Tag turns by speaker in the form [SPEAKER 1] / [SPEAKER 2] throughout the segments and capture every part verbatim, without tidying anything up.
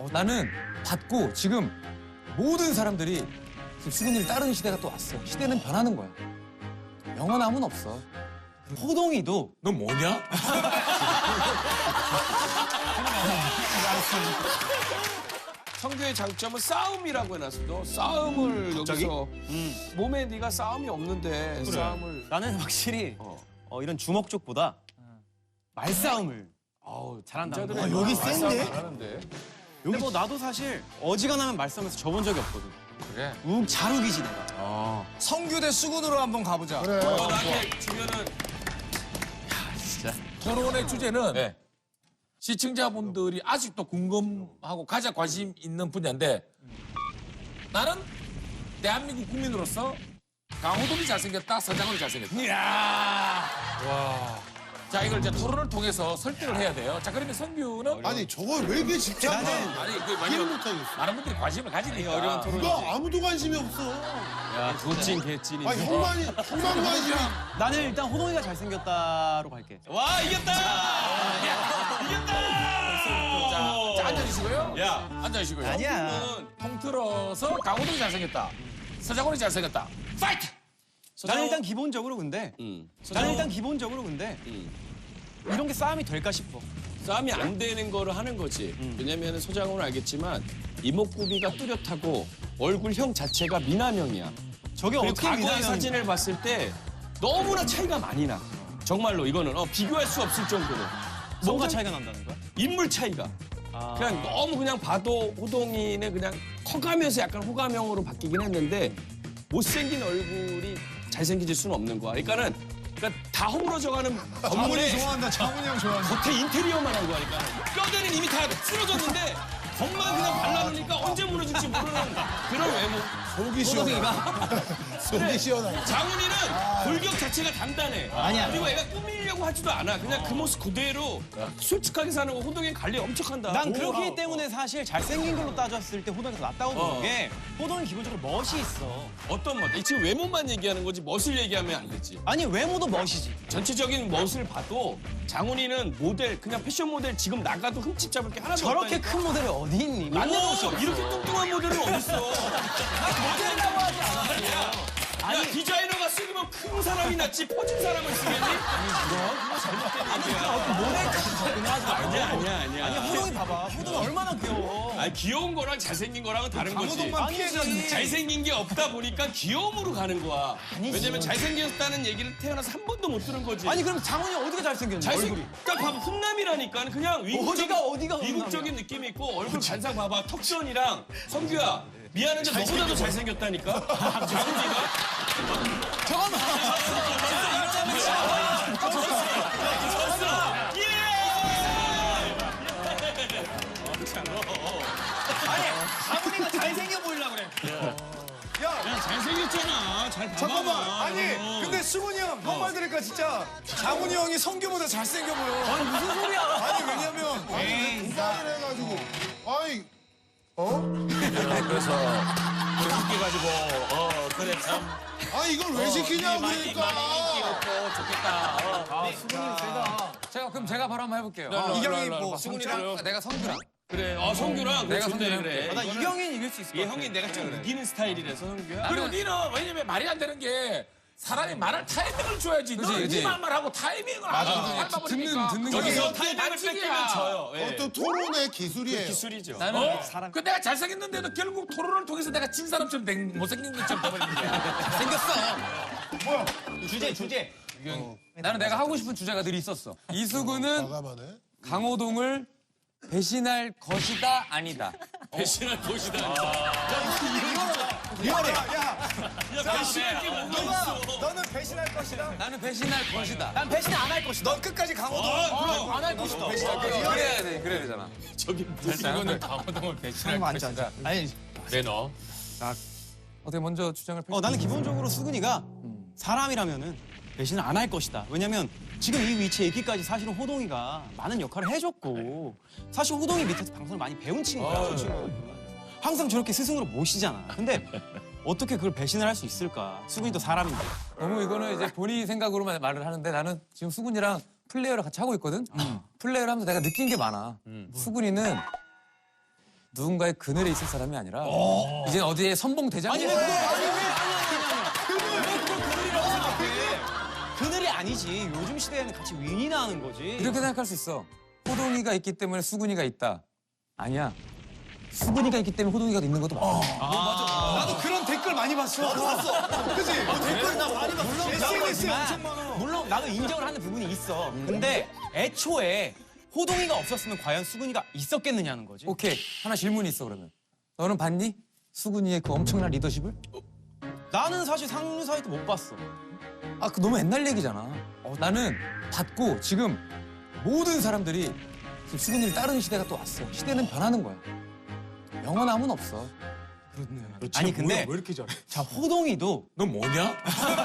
[SPEAKER 1] 어, 나는 받고 지금 모든 사람들이 지금 수근이를 따르는 시대가 또 왔어. 시대는 변하는 거야. 영원함은 없어.
[SPEAKER 2] 호동이도
[SPEAKER 3] 넌 뭐냐?
[SPEAKER 4] 성규의 장점은 싸움이라고 해놨어도 싸움을 여기서 몸에 네가 싸움이 없는데 싸움을
[SPEAKER 2] 나는 확실히
[SPEAKER 4] 어.
[SPEAKER 2] 어, 이런 주먹 쪽보다 말싸움을
[SPEAKER 4] 아우
[SPEAKER 2] 잘한다는
[SPEAKER 4] 남자들은
[SPEAKER 2] 거.
[SPEAKER 5] 여기
[SPEAKER 4] 말싸움
[SPEAKER 5] 센데?
[SPEAKER 4] 잘하는데.
[SPEAKER 2] 근데 뭐 나도 사실 어지간하면 말싸움에서 져본 적이 없거든.
[SPEAKER 1] 그래.
[SPEAKER 2] 우, 잘 우기지 내가.
[SPEAKER 5] 성규 대 수근으로 한번 가보자.
[SPEAKER 3] 그래.
[SPEAKER 4] 어, 나한테 주면은
[SPEAKER 3] 토론의 주제는
[SPEAKER 4] 네.
[SPEAKER 3] 시청자분들이 아직도 궁금하고 가장 관심 있는 분야인데 나는 대한민국 국민으로서 강호동이 잘생겼다, 서장훈이 잘생겼다. 이야. 와. 자, 이걸 이제 토론을 통해서 설득을 해야 돼요. 자, 그러면 성규는
[SPEAKER 6] 아니 저걸 왜 이렇게 집착해?
[SPEAKER 3] 아니, 그
[SPEAKER 6] 이해를
[SPEAKER 3] 왜냐면
[SPEAKER 6] 못하겠어.
[SPEAKER 3] 많은 분들이 관심을 가지니까.
[SPEAKER 4] 어려운 토론.
[SPEAKER 6] 누가 아무도 관심이 없어.
[SPEAKER 4] 야, 도찐 개찐이.
[SPEAKER 6] 아니 형만이 형만 관심이.
[SPEAKER 2] 나는 일단 호동이가 잘생겼다로 갈게.
[SPEAKER 4] 와, 이겼다!
[SPEAKER 3] 자, 자, 앉아주시고요.
[SPEAKER 4] 야,
[SPEAKER 3] 앉아주시고요.
[SPEAKER 2] 아니야.
[SPEAKER 3] 통틀어서 강호동이 잘생겼다. 서장훈이 잘생겼다. 파이트!
[SPEAKER 2] 나는 일단 기본적으로 근데
[SPEAKER 4] 음.
[SPEAKER 2] 나는 일단 기본적으로 근데
[SPEAKER 4] 음.
[SPEAKER 2] 이런 게 싸움이 될까 싶어.
[SPEAKER 4] 싸움이 안 되는 거를 하는 거지. 왜냐면 소장훈은 알겠지만 이목구비가 뚜렷하고 얼굴형 자체가 미남형이야.
[SPEAKER 2] 저게
[SPEAKER 4] 그리고
[SPEAKER 2] 어떻게
[SPEAKER 4] 과거의
[SPEAKER 2] 미나면
[SPEAKER 4] 사진을 봤을 때 너무나 차이가 많이 나. 정말로 이거는 어, 비교할 수 없을 정도로.
[SPEAKER 2] 뭐가 차이가 난다는 거야?
[SPEAKER 4] 인물 차이가.
[SPEAKER 2] 아.
[SPEAKER 4] 그냥 너무 그냥 봐도 호동이는 그냥 커가면서 약간 호감형으로 바뀌긴 했는데 못생긴 얼굴이 잘생겨질 수는 없는 거야. 그러니까는 그러니까 다 허물어져가는 건물에
[SPEAKER 5] 좋아한다. 장훈이 형 좋아한다.
[SPEAKER 4] 겉에 인테리어만 한 거야. 그러니까 뼈대는 이미 다 쓰러졌는데 겉만 그냥 발라놓으니까 언제 무너질지 모르는 그런 외모.
[SPEAKER 6] 속이 시원하. 속이 시원하.
[SPEAKER 4] 장훈이는 골격 자체가 단단해.
[SPEAKER 2] 아니야.
[SPEAKER 4] 그리고 애가 꾸미려고 하지도 않아. 그냥 그 모습 그대로 솔직하게 사는 거. 호동이 관리 엄청 한다.
[SPEAKER 2] 난
[SPEAKER 4] 오,
[SPEAKER 2] 그렇기
[SPEAKER 4] 아,
[SPEAKER 2] 때문에 사실 잘생긴 걸로 따졌을 때 호동이가 더 낫다고 보는
[SPEAKER 4] 어.
[SPEAKER 2] 게 호동이 기본적으로 멋이 있어.
[SPEAKER 4] 어떤 멋? 지금 외모만 얘기하는 거지 멋을 얘기하면 안 되지.
[SPEAKER 2] 아니 외모도 멋이지.
[SPEAKER 4] 전체적인 멋을 봐도 장훈이는 모델 그냥 패션 모델 지금 나가도 흠집 잡을 게 하나도
[SPEAKER 2] 저렇게
[SPEAKER 4] 없다니까.
[SPEAKER 2] 큰 모델이 어디 있니?
[SPEAKER 4] 오,
[SPEAKER 2] 만나볼 수
[SPEAKER 4] 이렇게 뚱뚱한 모델은 어딨어?
[SPEAKER 2] 모델이라고 하지 않았어요.
[SPEAKER 4] 야, 디자이너가 쓰기면 큰 사람이 낫지 퍼진 사람을 쓰겠니? 아니야, 아니야, 아니야.
[SPEAKER 2] 아니 호동이 봐봐. 호동이 얼마나 귀여워.
[SPEAKER 4] 아니, 귀여운 거랑 잘생긴 거랑은 다른 거지.
[SPEAKER 5] 강호동만 피해자니.
[SPEAKER 4] 잘생긴 게 없다 보니까 귀여움으로 가는 거야.
[SPEAKER 2] 아니지.
[SPEAKER 4] 왜냐면 잘생겼다는 얘기를 태어나서 한 번도 못 들은 거지.
[SPEAKER 2] 아니 그럼 장훈이 어디가 잘생겼니?
[SPEAKER 4] 잘생
[SPEAKER 2] 얼굴이.
[SPEAKER 4] 딱 봐봐 훈남이라니까 그냥 위국적인,
[SPEAKER 2] 어디가, 어디가
[SPEAKER 4] 위국적인 느낌이 있고 얼굴 반상 봐봐 턱선이랑 성규야 미안한데 너보다도 잘생겼다니까 장훈이가
[SPEAKER 2] 잠깐만. 장훈이가 잘생겨 보이려고 그래.
[SPEAKER 4] 야 잘생겼잖아 잘 봐봐.
[SPEAKER 5] 잠깐만. 아니, 근데 수근이 형, 형 말 들으니까 진짜 장훈이 형이 성규보다 잘생겨 보여.
[SPEAKER 2] 아니 무슨 소리야?
[SPEAKER 5] 아니, 왜냐면.
[SPEAKER 6] 인사를 해가지고. 아니 어?
[SPEAKER 3] 그래서 그렇게 가지고 어 그래 참
[SPEAKER 6] 아니 이걸 왜 시키냐고 그러니까.
[SPEAKER 3] 좋겠다. 어.
[SPEAKER 1] 아, 수근이 세다. 제가 그럼 제가 바로 한번 해볼게요.
[SPEAKER 5] 이경이 뭐,
[SPEAKER 3] 수근이랑
[SPEAKER 1] 내가 성규랑.
[SPEAKER 4] 그래 어 성규랑
[SPEAKER 1] 내가
[SPEAKER 4] 내가
[SPEAKER 1] 성규랑
[SPEAKER 4] 성규 그래.
[SPEAKER 2] 아, 나 이경인 이길 수 있을 것
[SPEAKER 4] 얘
[SPEAKER 2] 같아.
[SPEAKER 4] 형이 내가 좀 이기는 스타일이라서 성규야.
[SPEAKER 3] 그리고 니는 왜냐면 말이 안 되는 게 사람이 말할 타이밍을 줘야지.
[SPEAKER 1] 그치,
[SPEAKER 3] 너는
[SPEAKER 1] 그치.
[SPEAKER 3] 네 말만 하고 타이밍을 안 하고
[SPEAKER 1] 듣는 듣는 게
[SPEAKER 4] 여기서
[SPEAKER 3] 그게
[SPEAKER 4] 타이밍을
[SPEAKER 3] 반칙이야.
[SPEAKER 4] 뺏기면 져요. 예.
[SPEAKER 6] 어떤 토론의 기술이에요.
[SPEAKER 4] 기술이죠.
[SPEAKER 1] 나는
[SPEAKER 3] 어? 그 내가 잘생겼는데도 결국 토론을 통해서 내가 진 사람처럼 된 못생긴 것처럼 돼버린 거야.
[SPEAKER 1] 생겼어.
[SPEAKER 2] 주제 주제.
[SPEAKER 1] 나는 내가 하고 싶은 주제가 늘 있었어. 이수근은
[SPEAKER 6] 과감하네.
[SPEAKER 1] 강호동을 배신할 것이다 아니다.
[SPEAKER 4] 배신할 것이다.
[SPEAKER 5] 미안해. 야,
[SPEAKER 4] 야 배신할 게 뭐가 있어.
[SPEAKER 5] 너는 배신할 것이다.
[SPEAKER 1] 나는 배신할 것이다.
[SPEAKER 2] 난 배신 안 할 것이다.
[SPEAKER 5] 넌 끝까지 강호동.
[SPEAKER 2] 안 할 것이다.
[SPEAKER 1] 그래야 돼, 그래야 되잖아.
[SPEAKER 4] 저기
[SPEAKER 3] 이거는 강호동을 배신할 것이다.
[SPEAKER 2] 아니,
[SPEAKER 3] 그래 너.
[SPEAKER 1] 어떻게 먼저 주장을 펼쳐?
[SPEAKER 2] 어 나는 기본적으로 수근이가 사람이라면은 배신을 안 할 것이다. 왜냐면 지금 이 위치에 있기까지 사실은 호동이가 많은 역할을 해줬고 사실 호동이 밑에서 방송을 많이 배운 친구야. 저 친구는. 항상 저렇게 스승으로 모시잖아. 근데 어떻게 그걸 배신을 할 수 있을까? 수근이도 사람인데.
[SPEAKER 1] 너무 이거는 이제 본인 생각으로만 말을 하는데 나는 지금 수근이랑 플레이어를 같이 하고 있거든. 플레이를 하면서 내가 느낀 게 많아. 수근이는 누군가의 그늘에 있을 사람이 아니라 이제 어디에 선봉 대장이
[SPEAKER 2] 아니 왜 그걸 아니 왜 아니 아니 아니 왜 그걸 그늘이라고 생각해? 그늘이 아니지. 요즘 시대에는 같이 윈이나 하는 거지.
[SPEAKER 1] 이렇게 생각할 수 있어. 호동이가 있기 때문에 수근이가 있다. 아니야. 수근이가 있기 때문에 호동이가 있는 것도 맞아.
[SPEAKER 5] 나도 그런 댓글 많이 봤어. 나도 봤어. 그치? 댓글 나 많이 봤어.
[SPEAKER 2] 물론
[SPEAKER 5] 에스엔에스에
[SPEAKER 2] 그렇지만,
[SPEAKER 5] 엄청 많아.
[SPEAKER 2] 물론 나도 인정을 하는 부분이 있어. 근데 애초에 호동이가 없었으면 과연 수근이가 있었겠느냐는 거지.
[SPEAKER 1] 오케이. 하나 질문이 있어 그러면. 너는 봤니? 수근이의 그 엄청난 리더십을?
[SPEAKER 2] 나는 사실 상류 사이트 못 봤어.
[SPEAKER 1] 아, 그 너무 옛날 얘기잖아. 어, 나는 봤고 지금 모든 사람들이 지금 수근이를 따르는 시대가 또 왔어. 시대는 변하는 거야. 영원함은 없어.
[SPEAKER 2] 아니 근데
[SPEAKER 3] 왜 이렇게 잘해?
[SPEAKER 2] 자 호동이도
[SPEAKER 3] 너 뭐냐?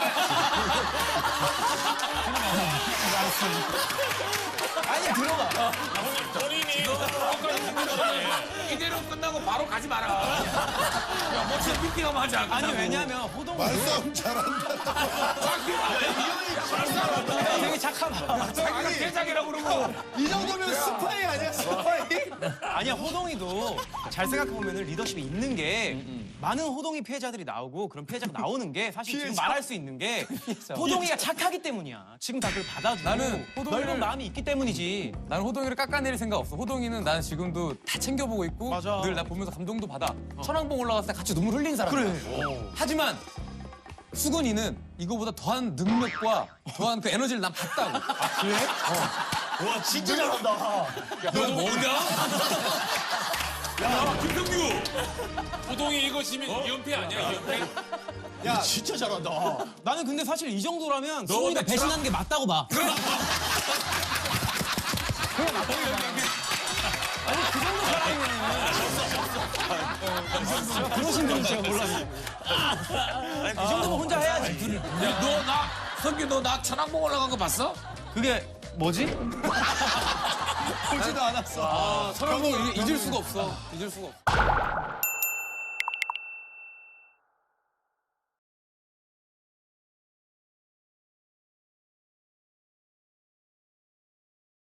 [SPEAKER 2] 아니 들어가.
[SPEAKER 3] 본인이 끝까지 듣는 거네. 이대로 끝나고 바로 가지 마라. 야, 멋진 미팅하면 하자.
[SPEAKER 2] 아니 왜냐면 호동이
[SPEAKER 6] 말싸움 잘한다.
[SPEAKER 2] 되게 착하다.
[SPEAKER 3] 자기가 대장이라고 그러고.
[SPEAKER 5] 이 정도면 스파이 아니야, 스파이?
[SPEAKER 2] 아니야 호동이도 잘 생각해보면 리더십이 있는 게
[SPEAKER 1] 음,
[SPEAKER 2] 많은 호동이 피해자들이 나오고 그런 피해자가 나오는 게 사실 지금
[SPEAKER 5] 피해자?
[SPEAKER 2] 말할 수 있는 게 호동이가 착하기 때문이야. 지금 다 그걸 받아주고
[SPEAKER 1] 나는 호동이를-
[SPEAKER 2] 넓은 마음이 있기 때문이지.
[SPEAKER 1] 나는 호동이를 깎아내릴 생각 없어. 호동이는 나는 지금도 다 챙겨보고 있고
[SPEAKER 2] 맞아.
[SPEAKER 1] 늘 나 보면서 감동도 받아. 천왕봉 올라갔을 때 같이 눈물 흘린 사람.
[SPEAKER 2] 그래.
[SPEAKER 1] 하지만 수근이는 이거보다 더한 능력과 더한 그 에너지를 난 봤다고.
[SPEAKER 5] 와, 진짜 잘한다.
[SPEAKER 3] 너 뭐냐? 야, 김성규. 호동이 이거 지면 이연패 아니야, 이연패?
[SPEAKER 5] 야, 진짜 잘한다.
[SPEAKER 2] 나는 근데 사실 이 정도라면
[SPEAKER 3] 너
[SPEAKER 2] 수근이가
[SPEAKER 3] 근데
[SPEAKER 2] 배신하는 게 맞다고 봐. 그러신 분은 제가 몰랐네. 아니, 그 정도면 혼자 해야지.
[SPEAKER 3] 야, 너 나, 성규 너 나 천왕봉 올라간 거 봤어?
[SPEAKER 2] 그게 뭐지?
[SPEAKER 5] 보지도 않았어.
[SPEAKER 1] 천왕봉 잊을 수가 없어. 잊을 수가 없어.